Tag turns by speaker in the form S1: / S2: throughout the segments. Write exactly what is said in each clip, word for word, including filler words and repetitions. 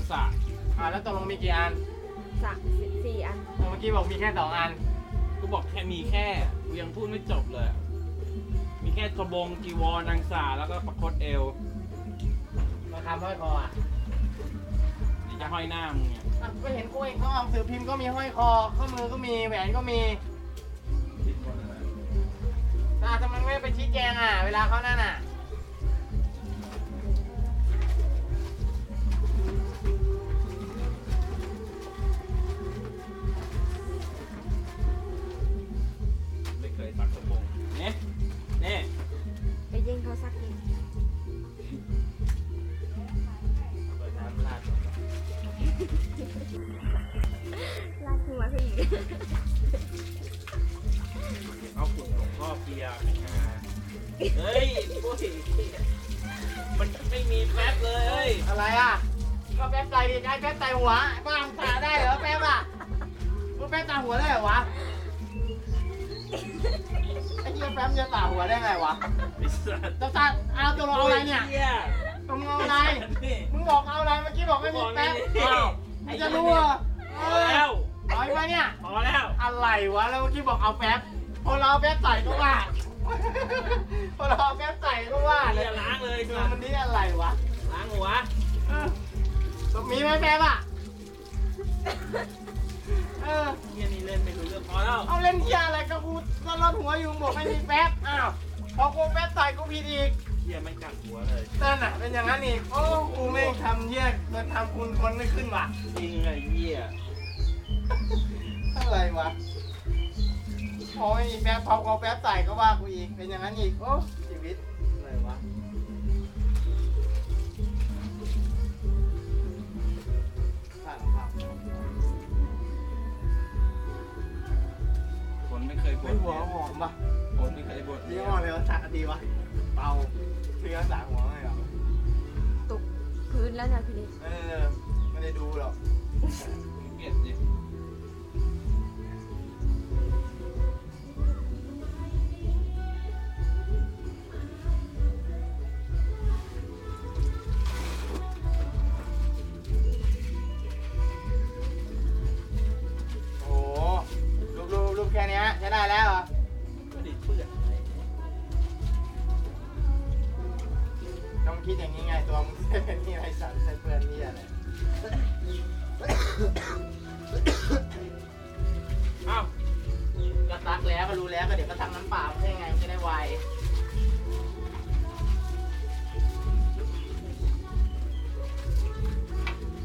S1: สระ
S2: อ่าแล้วตกลงมีกี่อัน
S3: สามสี่อัน
S2: เมื่อกี้บอกมีแค่สองอัน
S1: กูบอกแค่มีแค่กูยังพูดไม่จบเลย มีแค่กระบงจีวรนางสาแล้วก็ประคตเอว
S2: มาคำห้อยคออ่ะ
S1: เดี๋ยวจะห้อยหน้ามึงเนี่ย
S2: อ่ะก็เห็นกูเองเขาเอาหนังสือพิมพ์ก็มีห้อยคอข้อมือก็มีแหวนก็มีอ่าทำไมไม่ไปชี้แจงอ่ะเวลาเขานั่นอ่ะ
S1: ไม่เคยซักกระบงเนี่ยเนี่ย
S3: ไปยิงเขาสักนิด
S2: เปิดน้ำราด
S3: ลากหัวเขาอีก
S1: เอาขุ่นหลวงพ่อเปียไปงาเฮ้ยโอ้ยมันไม่มีแป๊บเลยเฮ้ย
S2: อะไรอ่ะก็แป๊บใส่ดิไอ้แป๊บใส่หัวบ้างสาได้เหรอแป๊บอ่ะมึงแป๊บตาหัวได้เหรอวะไอ้เหี้ยแป๊บจะตาหัวได้ไงวะ
S1: ไอ้สัส
S2: จะตาเอาตัวเอาอะไรเนี่ย
S1: โหี้
S2: ตรงเอาอะไรมึงบอกเอาอะไรเมื่อกี้บอกไม่มีแป๊บอ้าวมึงจะรู้เหรอ
S1: พอแล้ว
S2: เอาไปเนี่ย
S1: พอแล้ว
S2: อะไรวะแล้วเมื่อกี้บอกเอาแป๊บพอเราเอาแป๊บใส่ก็ว่า พอเราเอาแป๊บใส่ก็ว่าเล
S1: เฮี
S2: ย
S1: ยล้างเลย
S2: คือ
S1: สัส
S2: มันนี่อะไรวะ
S1: ล้างหัว
S2: เออมีไหมแป๊บอ่ะเออ
S1: เฮียนี่เล่นไม่รู้เรื่องพอแล้ว
S2: เอาเล่นเที่ยอะไรก็กูก็รอดหัวอยู่บอกไม่มีแป๊บอ้าวพอกูแป๊บใส่กูผิดอีก
S1: เฮียไม่กัดหัวเลย
S2: นั่นน่ะเป็นอย่างนั้นอีกโอ้กูไม่ทำเยี่ยมันทำคุณคนไม่ขึ้นว่ะ
S1: จริงเลยเฮีย
S2: อะไรวะพอไม่มีแป๊บพอเอาแป๊บใส่ก็ว่ากูอีกเป็นอย่างนั้นอีกโอ้ชีวิตอะไรวะผ่านผ่าน
S1: คนไม่เคยบ่
S2: ไม่
S1: น
S2: หัวหอมป่ะ
S1: คนไม่เคยบ่น
S2: ยี่ห้ออะไรวะสักดีวะเบาซื้อรักษาหัวไงเหรอ
S3: ตกพื้นแล้วนะพี่เล็ก
S2: เออไม่ได้ดูหรอก
S1: เกลียดดิ
S2: โอ้โหรูปรูปรูปแค่เนี้ยใช้ได้แล้วเหรอ
S1: ไม่ได้เปื้อนอะไร
S2: ต้องคิดอย่างนี้ไงตัวมึงใช้เป็นนี่ไรสันใช้เพื่อนนี่อะไร
S1: อ้าว
S2: ก็ซักแล้วก็รู้แล้วก็เดี๋ยวก็ทำน้ำเปล่าไม่ใช่ไงมันจะได้ไว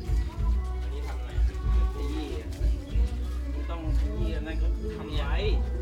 S2: อันนี้ทำไง
S1: ขยี้อะมึงต้องขยี้อันนั้นก็ทำไว้